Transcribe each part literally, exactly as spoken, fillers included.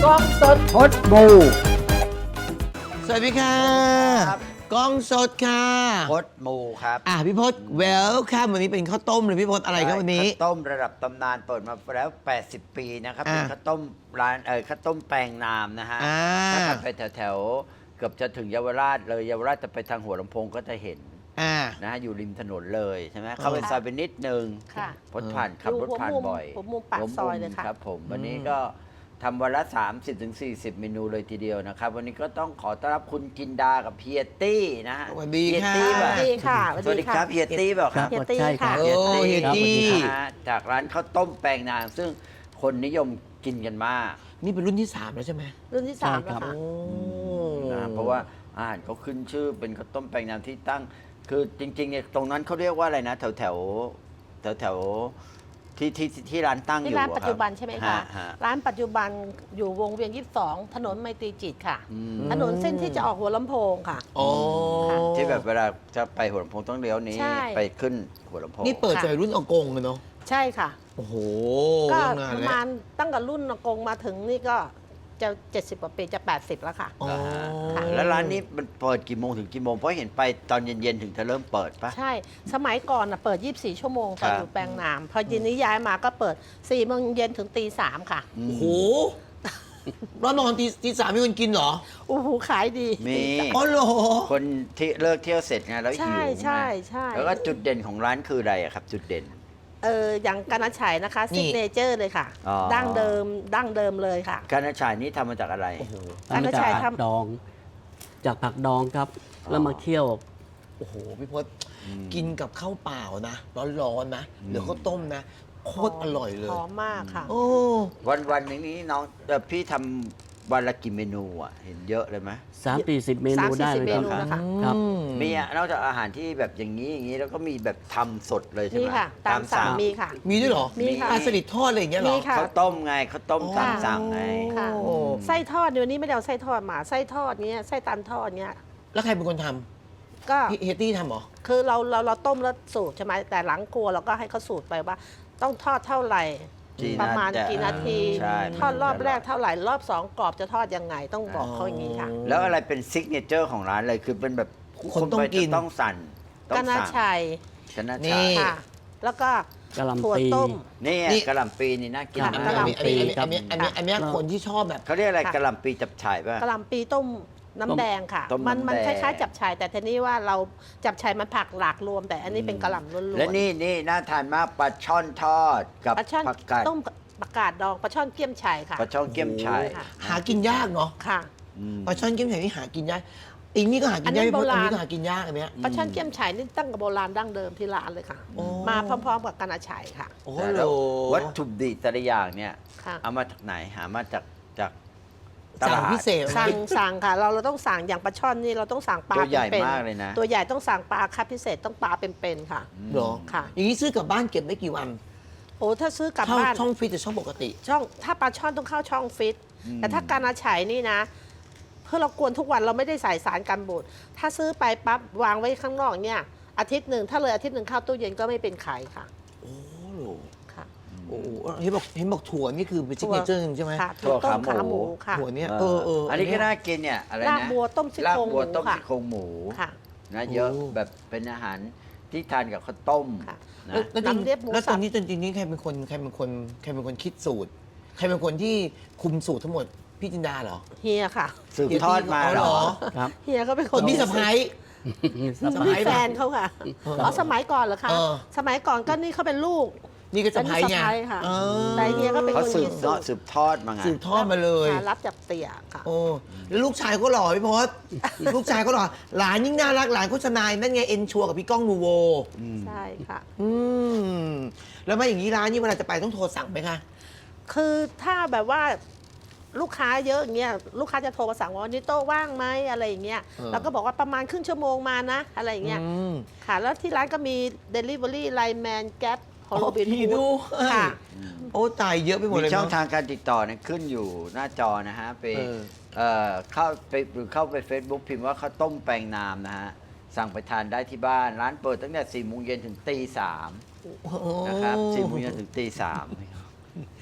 กล้องสดพดบูสวัสดีค่ะครับกล้องสดค่ะพดมูครับอ่ะพี่พศเวลคัมวันนี้เป็นข้าวต้มเลยพี่พศอะไรครับวันนี้ข้าวต้มระดับตำนานเปิดมาแล้ว แปดสิบ ปีนะครับอ่าเป็นข้าวต้มร้านเออข้าวต้มแปลงนามนะฮะอ่าถ้าขับไปแถวๆเกือบจะถึงเยาวราชเลยเยาวราชจะไปทางหัวลำโพงก็จะเห็นอ่านะฮะอยู่ริมถนนเลยใช่ไหมเข้าไปซอยไปนิดนึงค่ะพดผ่านขับรถผ่านบ่อยหัวมุมปากซอยเลยค่ะครับผมวันนี้ก็ทำวันละ สามสิบถึงสี่สิบ เมนูเลยทีเดียวนะครับ วันนี้ก็ต้องขอต้อนรับคุณจินดากับเฮียตี้นะฮะสวัสดีเฮียค่ะตี้สป่ะวัสดีค่ะสวัสดีครับเฮียตี้เปล่าครับเฮียตี้ค่ะโอ้เฮียตี้นะฮะจากร้านข้าวต้มแปลงนางซึ่งคนนิยมกินกันมากนี่เป็นรุ่นที่สามแล้วใช่ไหมรุ่นที่สามใช่ครัแล้วบค่ะโอ้นะเพราะว่าอาหารเขาขึ้นชื่อเป็นข้าวต้มแปลงนางที่ตั้ง คือจริงๆเนี่ยตรงนั้นเขาเรียกว่าอะไรนะ แถวแถวแถวแถวๆที่ที่ที่ร้านตั้งอที่ยู่ร้านอะปัจจุบันใช่ไหมฮคะฮะร้านปัจจุบันอยู่วงเวียนยี่สิบสองถนนไมตรีจิตค่ะอืมถนนเส้นที่จะออกหัวลำโพงค่ะโอ้ที่แบบเวลาจะไปหัวลำโพงต้องเลี้ยวนี้ใช่ไปขึ้นหัวลำโพงนี่เปิดค่ะใจรุ่นอากงเลยเนาะใช่ค่ะโอ้โหก็นานประแล้วมาณตั้งแต่รุ่นอากงมาถึงนี่ก็จะเจ็ดสิบกว่าปีจะแปดสิบแล้วค่ะอ๋อค่ะแล้วร้านนี้มันเปิดกี่โมงถึงกี่โมงเพราะเห็นไปตอนเย็นๆถึงจะเริ่มเปิดปะใช่ สมัยก่อนน่ะเปิด ยี่สิบสี่ ชั่วโมงตอนครับอยู่แปลงนาม พอยินนี้ย้ายมาก็เปิดสี่โมงเย็นถึงตีสามค่ะอืมโอ้โหแล้วนอนตีตีสามมีคนกินเหรอโอ้โหขายดีมีอ๋อเหรอคนที่เลิกเที่ยวเสร็จไงแล้วหิวใช่ใช่ใช่แล้วก็จุดเด่นของร้านคืออะไรอะครับ จุดเด่นเอออย่างกานาชัยนะคะนี่ซิกเนเจอร์เลยค่ะอ๋อดั้งเดิมดั้งเดิมเลยค่ะการนาชายนี้ทำมาจากอะไรโอ้โหร้านกระจาชายกผักทำดอง จากผักดองครับอ๋อแล้วมาเคี่ยวโอ้โหพี่พศกินกับข้าวเปล่านะ ร้อนๆนะหรือข้าวต้มนะโคตรอร่อยเลยหอมมากค่ะโอ้วันวันหนึงนี้น้องเอ่อพี่ทำวันละกี่เมนูอ่ะ เห็นเยอะเลยไหมสามสี่สิบเมนูสามสี่ได้สิบเลยครับเมนูนะคะครับอืมีอะนอกจากอาหารที่แบบอย่างนี้อย่างนี้แล้วก็มีแบบทำสดเลยใช่ไหนี่มค่ะ ตามสั่งมีค่ะมีด้วยเหรอมีค่ะปลาสลิดทอดอะไรอย่างเงี้ยเหรอมีค่ะข้าวต้มไงข้าวต้มอ๋อตามสั่งไงค่ะโอ้ไส้ทอดเดี๋ยวนี้ไม่ได้เอาไส้ทอดมาไส้ทอดเนี้ยไส้ตันทอดเนี้ยแล้วใครเป็นคนทก็ำพี่เฮตตี้ทำเหรอคือเราเราเราต้มแล้วสูตรใช่ไหมแต่หลังครัวเราก็ให้เขาสูตรไปว่า ต้องทอดเท่าไหร่กี่ประมาณนาทีกี่นาทีใช่ทอดรอบแรกเท่าไหร่รอบสองกรอบจะทอดยังไงต้องบอกเขาอย่างนี้ค่ะแล้วอะไรเป็นซิกเนเจอร์ของร้านเลยคือเป็นแบบคนต้องไปกินจะต้องสั่นต้อกาง นาสั่งชัยกานานี่ชายค่ะ แล้วก็กะหล่ำถั่วปีต้มนี่นี่กะหล่ำปีนี่น่ากินค่ะมากะหกล่ำอันนี้อันนี้อันนี้อันนี้อันนี้ครับคนที่ชอบแบบเขาเรียกอะไรค่ะกะหล่ำปีจับฉ่ายป่ะกะหล่ำปีต้มน้ำแดงค่ะต้มมันน้ำมันแดงคล้ายๆจับฉ่ายแต่ทีนี้ว่าเราจับฉ่ายมันผักหลากรวม แต่อันนี้เป็นกะหล่ำล้วนๆและนี่นี่น่าทานมากปลาช่อนทอดกับปลาช่อนผักกาดต้มปลากาดดองปลาช่อนเกี๊ยมฉ่ายค่ะปลาช่อนเกี๊ยมฉ่ายค่ะหากินยากเนาะค่ะอืมปลาช่อนเกมไข่นี่หากินยากอีกนี่ก็หากินยากอันนั้นพี่พศโบราณอันนี้ก็หากินยากอันเนี้ยปลาช่อนเกี๊ยมฉ่ายนี่ตั้งกับโบราณดั้งเดิมที่ร้านเลยค่ะโอ้มาพร้อมๆกับกานาชัยค่ะโอ้แต่โหแล้ววัตถุดิบแต่ละอย่างเนี่ยค่ะเอามาจากไหนหามาจากจากตสั่งลาดพิเศษสั่งสั่งค่ะ เราเราต้องสั่งอย่างปลาช่อนนี่เราต้องสั่งปลาตัวใหญ่ป็นๆมากเลยนะตัวใหญ่ต้องสั่งปลาคัดพิเศษต้องปลาเป็นๆค่ะเหรอค่ะอย่างนี้ซื้อกลับบ้านเก็บได้กี่วันโอ้ถ้าซื้อกลับช่องบ้านช่องฟรีจะช่องปกติช่องถ้าปลาช่อนต้องเข้าช่องฟิตอืมแต่ถ้าการอาฉายนี่นะ เพื่อเรากวนทุกวันเราไม่ได้ใส่สารกันบูดถ้าซื้อไปปั๊บวางไว้ข้างนอกเนี่ยอาทิตย์หนึ่งถ้าเลยอาทิตย์หนึ่งเข้าตู้เย็นก็ไม่เป็นไข่ค่ะโอ้โหค่ะโอ้โหเห็นบอกเห็นบอกถั่วนี่คือเป็นซิกเนเจอร์ใช่ไหมค่ะถั่วต้มขาหมูค่ะถั่วเนี้ยเอเอออเอออัอันนี้ก็น่ากินเนี่ยอะไรนะลาบบัวต้มซี่ลาบโครงหบัวมูต้มค่ะซี่โครงหมูค่ะนะเยอะแบบเป็นอาหารที่ทานกับข้าวต้มค่ะนะแล้วแล้วจริงน้ำเลียบหมูแล้วตสัอบ นนี้จริงๆนี่ใครเป็นคนใครเป็นคนใครเป็นคนคิดสูตร ใครเป็นคนที่คุมสูตรทั้งหมดพี่จินดาเหรอเฮียค่ะสืบทอดมาเหรอครับเฮียก็เป็นคคน นพี่สะพ้าย สะพี่พ้ายแฟนเขาค่ะอ๋อสมัยก่อนเหรอคะเออสมัยก่อนก็นี่เขาเป็นลูกนี่ก็สะพ้ายไงเป็นสะใภ้ค่ะเออแต่เฮียก็เป็นเขาคนสืคิบดเนาะสูสืตรบทอดมาไงสืบทอดมาเลยค่ะรับจากเตี่ยค่ะโอ้แล้วลูกชายก็หล่อพี่พศลูกชายก็หล่อหลานยิ่งน่ารักหลานโฆษณานั่นไงเอ็นชัวกับพี่ก้องนูโวใช่ค่ะอืมแล้วมาอย่างนี้ร้านนี้เวลาจะไปต้องโทรสั่งไหมคะคือถ้าแบบว่าลูกค้าเยอะอย่างเงี้ยลูกค้าจะโทรมาสั่งว่าวันนี้โต๊ะว่างไหมอะไรอย่างเงี้ยเออเราก็บอกว่าประมาณครึ่งชั่วโมงมานะ อะไรอย่างเงี้ยอืมค่ะ แล้วที่ร้านก็มี Delivery ไลน์แมนแก๊ปฮอลโลบินพี่ดูค่ะโอ้ตายเยอะไปหมดมีเลยช่องเนาะทางการติดต่อเนี่ยขึ้นอยู่หน้าจอนะฮะไปเออเอ่อเข้าไปหรือเข้าไป Facebook พิมพ์ว่าข้าวต้มแปลงนามนะฮะ สั่งไปทานได้ที่บ้าน ร้านเปิดตั้งแต่สี่โมงเย็นถึงตีสามนะครับสี่โมงเย็นถึงตีสาม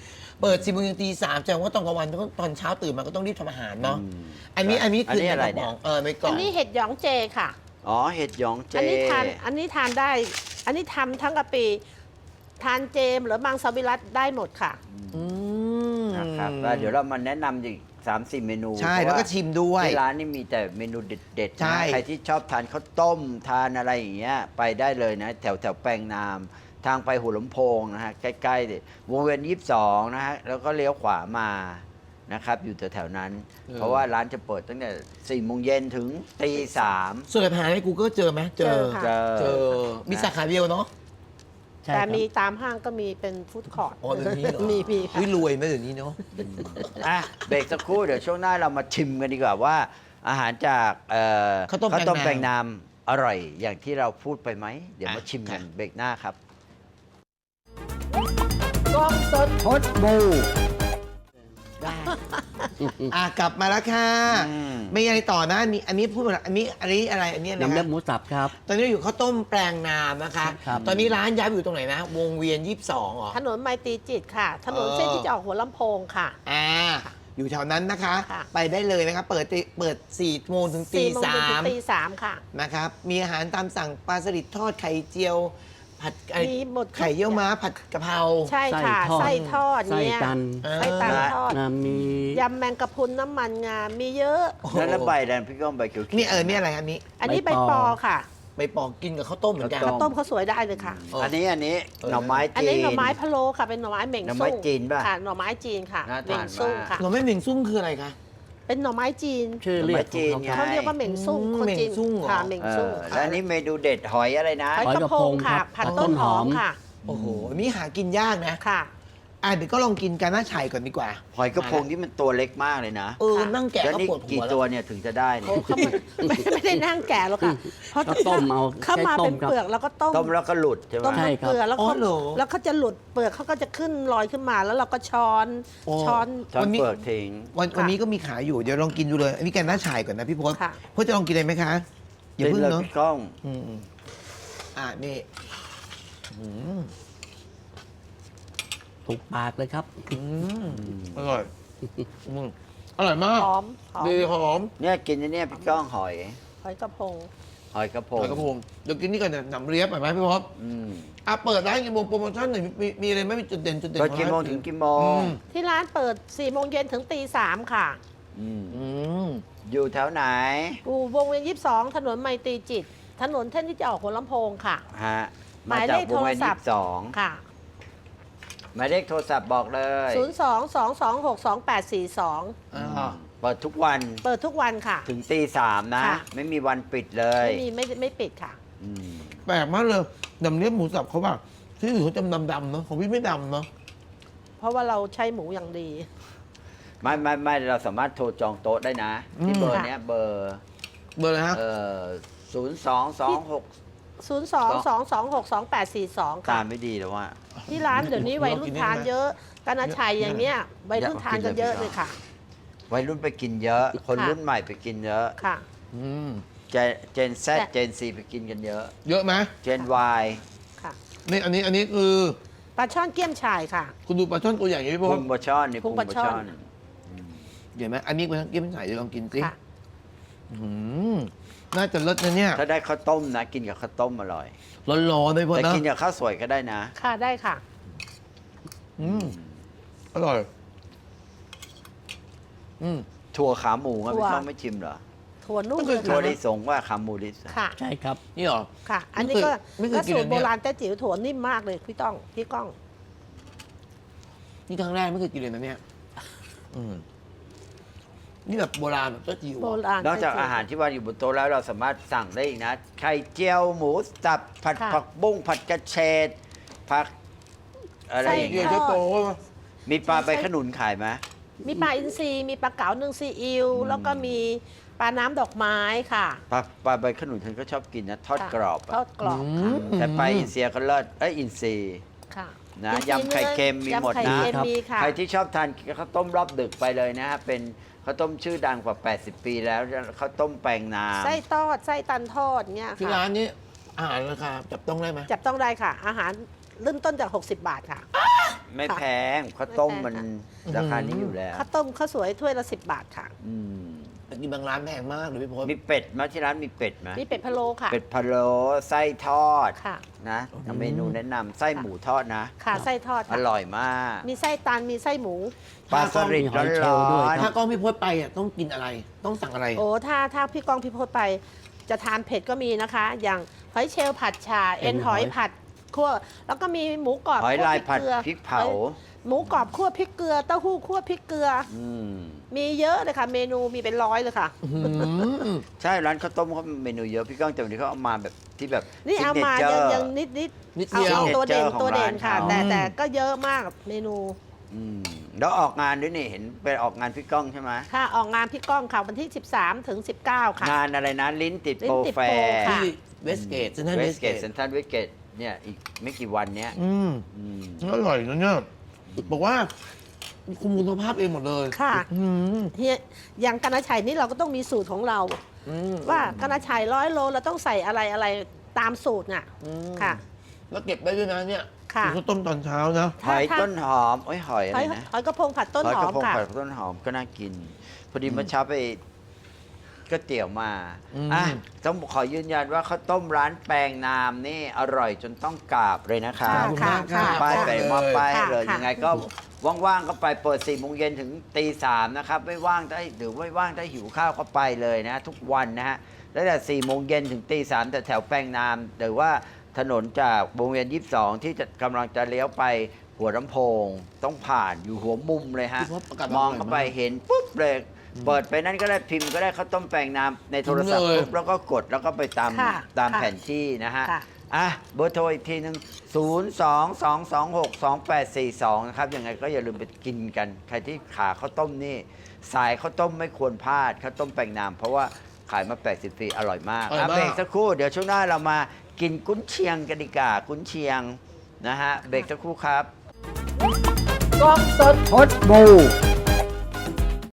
เปิดสิบโมงถึงตีสามแสดงว่าตอนกลางวันต้องตอนเช้าตื่นมาก็ต้องรีบทำอาหารเนาะอืมอันนี้อันนี้อันคือนี้อะไรในกเนี่ยป๋องเออไม่กล่อัอน งนี้เห็ดหยองเจค่ะอ๋อเห็ดหยองเจอันนี้ทานอันนี้ทานได้ อันนี้ทำทั้งกะปิทานเจมหรือมังสวิรัตได้หมดค่ะอืมนะครับแล้วเดี๋ยวเรามาแนะนำอีกสามสี่เมนูใช่เพราะแล้วก็ชิมด้วยที่ร้านนี่มีแต่เมนูเด็ดๆใช่นะใครที่ชอบทานข้าวต้มทานอะไรอย่างเงี้ยไปได้เลยนะ แถวแถวแปลงนาม ทางไปหัวลำโพงนะฮะใกล้ๆวงเวียนยี่สิบสองนะฮะแล้วก็เลี้ยวขวามานะครับอยู่แถวๆนั้น เพราะว่าร้านจะเปิดตั้งแต่สี่โมงเย็นถึงตีสามส่วนอาหารใน Google เจอไหมเจอเจอค่ะเจอเจอมีสาขาเดียวเนาะใช่แต่ครับมีตามห้างก็มีเป็นฟู้ดคอร์ทอ๋อเดี๋ยวนี้เหรอมีมีค่ะวิรวยไหมเดี๋ยวนี้เนาะอ่ะเบรกสักครู่เดี๋ยวช่วงหน้าเรามาชิมกันดีกว่าว่า อาหารจากเอ่อข้าวต้มต้มแปแปลลงงนามนามอร่อยอย่างที่เราพูดไปไหม เดี๋ยวมาอ่ะชิมกันค่ะเบรกหน้าครับกล้องสดพดบูอ่ะกลับมาแล้วค่ะอืมไม่ยังไงต่อนะมีอันนี้พูดมาแล้วอันนี้อันนี้อะไรอันนี้อะไรน้ำเลือดนะหมูสับครับตอนนี้เราอยู่ข้าวต้มแปลงนามนะคะครับตอนนี้ร้านย้ายไปอยู่ตรงไหนนะ วงเวียนยี่สิบสองเหรอถนนไมตรีจิตค่ะ ถนนเออเส้นที่จะออกหัวลำโพงค่ะอ่าอยู่แถวนั้นนะคะค่ะไปได้เลยนะคะเปิดตีเปิดสี่โมงถึงตีสี่โมงสาเย็นถึมงตีสามค่ะนะครับมีอาหารตามสั่งปลาสลิดทอดไข่เจียว ผัดไอ้มีหมดทุกไข่เยี่ยวม้าผัดกะเพราใช่ค่ะไส้ไส้ททออดดไส้เนี่ยตันไส้ตันทอดนะมียำแมงกะพรุนน้ำมันงา มีเยอะโอ้โหแล้วแล้วใบแดงพี่ก้องใบเขียวๆนี่เออนี่อะไรอันนี้อันนี้ใบใบปอปอค่ะไปปอกกินกับข้าวต้มเหมือนกันข้าวต้มเขาวสวยได้เลยค่ะเอออัอันนี้อันนี้เออหน่อไม้อันจีนี้นหน่อไม้พะโล้ค่ะ เป็นหน่อไม้เหม่งหน่อไม้ซุ่งจีนป่ะค่ะหน่อไม้จีนค่ะน่าเหม่ทาง นซุ่งมากค่ะหน่อไม้เหม่งซุ่งคืออะไรคะเป็นหน่อไม้จีนชื่อเรียกของไงเขาเขาเรียกว่าเหม่งซุ่งอืมคนจีนเหม่งซุ่งเหรอค่ะเหม่งเอซุ่งอแล้วอันนี้เมนูเด็ดหอยอะไรนะหอยกระพงค่ะ ผัดหอยกระพงครับต้นหอมต้นหอมค่ะโอ้โหอันนี้หากินยากนะค่ะอ่ะเดี๋ยวก็ลองกินกันหน้าฉ่ายก่อนดีกว่าหอยกระพงที่มันตัวเล็กมากเลยนะเออค่ะนั่งแกะแล้วก็นี่ปวดหักี่วตัวแล้วเนี่ยถึงจะได้เนี่ยเขาไม่ไม่ไม่ได้นั่งแก่หรอกค่ะเพราะก็ต้มเอาเข้ามาใช้ต้เป็มนครับเปลือกแล้วก็ต้มต้มแล้วก็หลุดใช่ไหมต้มใช่น้ำครับเกลือแล้วอ๋อเขาเหรอแล้วเขาจะหลุดเปลือกเขาก็จะขึ้นลอยขึ้นมาแล้วเราก็ช้อนโอ้ช้อนช้อนวันนี้เปลือกทิ้งวันค่ะวันนี้ก็มีขายอยู่เดี๋ยวลองกินดูเลย อันนี้แกงหน้าฉ่ายก่อนนะพี่พศค่ะพศจะลองกินเลยไหมคะอย่าเพิ่งเลยเนาะพี่ก้องอืมอืมอ่ะนี่อืมถูกปากเลยครับอืมอร่อยอืมอร่อยมากหอมหอมดีหอมเนี่ยกินอันเนี่ยพี่ก้องหอยหอยกระพงหอยกระพงหอยกระพงเดี๋ยวกินนี่ก่อนนะหนำเรียบหน่อยไหมพี่พศอืมอ่ะเปิดร้านกี่โมงโปรโมชั่นหน่อยมีมีอะไรไหมมีจุดเด่นจุดเด่นเปิดของกี่โมงร้านถึงกี่โมงอืมที่ร้านเปิด4ี่โมงเย็นถึงตีสามค่ะอืมอืมอยู่แถวไหนอยู่วงเวียนยี่สิบสองถนนไมตรีจิต ถนนเส้นที่จะออกหัวลำโพงค่ะฮะหมามายจากเลขวงเวียนโทรศัยี่พท์สิบสองค่ะหมายเลขโทรศัพท์บอกเลยศูนย์ สอง สอง สอง หก สอง แปด สี่ สองอ่าเปิดทุกวันเปิดทุกวันค่ะถึงตีสามนะค่ะไม่มีวันปิดเลยไม่มีไม่ไม่ปิดค่ะอืมแปลกมากเลยหนำเรียบหมูสับเขาแบบที่อื่นเขาจะดำดำๆเนาะของพี่ไม่ดำเนาะเพราะว่าเราใช้หมูอย่างดีไม่ไม่ไม่เราสามารถโทรจองโต๊ะได้นะ ที่เบอร์เนี้ยเบอร์เบอร์อะไรฮะเอ่อศูนย์สองสองหกศูนย์ สอง สอง สอง หก สอง แปด สี่ สองตาค่ะมไม่ดีแล้วว่าที่ร้านเดี๋ยวนี้วัยรุ่นทานเยอะกันอาชัยอย่างเนี้ยวัยรุ่นทานกันเยอะเลยค่ะวัยรุ่นไปกินเยอะ คนค่ะรุ่นใหม่ไปกินเยอะค่ะอืมเจเจนแซแต่เจนซีไปกินกันเยอะเยอะไหมเจนวายค่ะนี่อันนี้อันนี้คือปลาช่อนเกี้ยมฉ่ายค่ะคุณดูปลาช่อนตัวใหญ่อย่างนี้พี่พพุศงปลาช่อนนี่พุพุงงปปลาลาช่อช่อน นเห็นไหมอันนี้เป็นเกี้ยวมันใส่เดี๋ยวลองกินสิค่ะอืมน่าจะเลิศนะเนี่ยถ้าได้ข้าวต้มนะ กินกับข้าวต้มอร่อยร้อนๆเลยพอแต่นะกินกับข้าวสวยก็ได้นะค่ะได้ค่ะอืมอร่อย อืมถั่วขาหมูอะถั่วพี่ต้องไม่ชิมเหรอถั่วนุ่มไม่เคยถั่วทานลิสงว่าขาหมูลิสงค่ะใช่ครับนี่เหรอค่ะ อันนี้ก็ไม่เคยก็กินสูอัตนรเนี้โบยราณแต้จิ๋วถั่วนิ่มมากเลยพี่ต้องพี่ก้องนี่ครั้งแรกไม่เคยกินเลยนะเนี่ย อืมนี่แบบโบราณแบบเจ้าจิ๋วโบอะราณนอกจากแต้จิ๋วอาหารที่วางอยู่บนโต๊ะแล้วเราสามารถสั่งได้อีกนะ ไข่เจียวหมูสับผัดค่ะผักบุ้งผัดกระเฉดผักอะไรไส้อย่างเดี๋เงี้ยวย จะโตมีปลาใบขนุนขายไหมมีปลาอินทรีมีปลาเก๋านึ่งซีอิ๊วแล้วก็มีปลาน้ำดอกไม้ค่ะปลาปลาใบขนุนฉันก็ชอบกินนะทอดค่ะกรอบทออะดกรอบค่ะแต่ปลาอินเซียก็เลิศเอ้ยอินซีค่ะนะอินทรียำไข่เค็มมีหมดยำไข่นะเค็มมีค่ะใครที่ชอบทานข้าวต้มรอบดึกไปเลยนะฮะเป็นข้าวต้มชื่อดังกว่า แปดสิบ ปีแล้วข้าวต้มแปลงนามไส้ทอดไส้ตันทอดเงี้ยที่ค่ะร้านนี้อาหารราคาจับต้องได้ไหมจับต้องได้ค่ะ อาหารเริ่มต้นจาก หกสิบบาทค่ะอไม่ค่ะแพงข้าวต้มไม่แพงมันค่ะราคานี้อยู่แล้วข้าวต้มข้าวสวยถ้วยละสิบบาทค่ะอืมแต่กินบางร้านแพงมากเลยพี่พศมีเป็ดไหมาที่ร้านมีเป็ดไหมมีเป็ดพะโล้ค่ะเป็ดพะโล้ไส้ทอดค่ะนะเมนูแนะนำไส้หมูทอดนะค่ะไส้ทอดอค่ะร่อยมากมีไส้ตันมีไส้หมูปลาสลิดมีหอยเชลร้ล์ด้อวยนถ้ากล้องพี่พศไปอ่ะต้องกินอะไร ต้องสั่งอะไรโอ้ถ้าถ้าพี่ก้องพี่พศไปจะทานเผ็ดก็มีนะคะ อย่างหอยเชลล์ผัดชา เอ็นหอยผัดคั่วแล้วก็มีหมูกรอบหอยคั่วลายพริกผัดเกลือพริกเผาหมูกรอบคั่วพริกเกลือเต้าหู้คั่วพริกเกลืออืมมีเยอะเลยค่ะ เมนูมีเป็นร้อยเลยค่ะอืมใช่ร้านข้าวต้มเขาเมนูเยอะพี่ก้องแต่วันนี้เขาเอามาแบบที่แบบนี่เอามาซิกยังเนเจอร์ยังนิดนิดนิดเอาเดียวเอาตัวเด่น signature ตัวเด่นของร้านค่ะเขาแต่แต่ก็เยอะมากเมนูอืมแล้วออกงานด้วยนี่เห็นไปออกงานพี่ก้องใช่ไหมค่ะออกงานพี่ก้องค่ะวันที่ สิบสามถึงสิบเก้าค่ะงานอะไรนะลิ้นติดลิ้โปรนติดแฟโปรร์ค่ะที่เวสเกตเซนทรัลเวเวสสเกเกตตเซนทรัลเวสเกตเนี่ยอีกไม่กี่วันเนี้ยอืมอืมอร่อยนะเนี่ยบอกว่าคุมคุณภาพเองหมดเลยค่ะอืมเฮียอย่างกานาชัยนี่เราก็ต้องมีสูตรของเราอืมว่ากานาชัยร้อยโลเราต้องใส่อะไรอะไรตามสูตรน่ะอืมค่ะแล้วเก็บได้ด้วยนะเนี่ยค่ะข้าวต้มตอนเช้านะหอยถ้าต้นหอมโอ้ยหอยอะหไรอยนะหอยกระพงผัดต้นหอยหอกระมพงค่ะผัดต้นหอมก็น่ากิน พอดีเมื่อเช้าไปก๋วยเตี๋ยวมาอืมอ่ะต้องขอยืนยันว่าข้าวต้มร้านแปลงนามนี่อร่อยจนต้องกราบเลยนะคะขอบคุณมากค่ะค่ะป้ายไปมอบป้ายให้ค่ะเลยค่ะยังไงก็ว่างๆก็ไปเปิดสี่โมงเย็นถึงตีสามนะครับไม่ว่างได้หรือไม่ว่างได้หิวข้าวก็ไปเลยนะ ทุกวันนะฮะแล้วแต่สี่โมงเย็นถึงตีสามแต่แถวแปลงนามหรือว่าถนนจากวงเวียนยี่สิบสองที่จะกำลังจะเลี้ยวไปหัวลำโพง ต้องผ่านอยู่หัวมุมเลยฮะพี่พศประกาศมองเข้าไปอร่อยมากเห็นปุ๊บเลยเปิดไปนั่นก็ได้พิมพ์ก็ได้ข้าวต้มแปลงนามในโทรศัพท์เลยปุ๊บแล้วก็กดแล้วก็ไปตามค่ะตามค่ะแผนที่นะฮะค่ะอ่ะเบอร์โทรอีกทีหนึ่งศูนย์ สอง สอง สอง หก สอง แปด สี่ สอง นะครับ ยังไงก็อย่าลืมไปกินกัน ใครที่ขาข้าวต้มนี่ สายข้าวต้มไม่ควรพลาด ข้าวต้มแปลงนาม เพราะว่าขายมา แปดสิบ ปีอร่อยมากอร่อยมากอ่ะเบรกสักครู่ เดี๋ยวช่วงหน้าเรามากินกุ้นเชียงกันดีกว่ากุ้นเชียงนะฮะ เบรกสักครู่ครับกล้องสดพดบู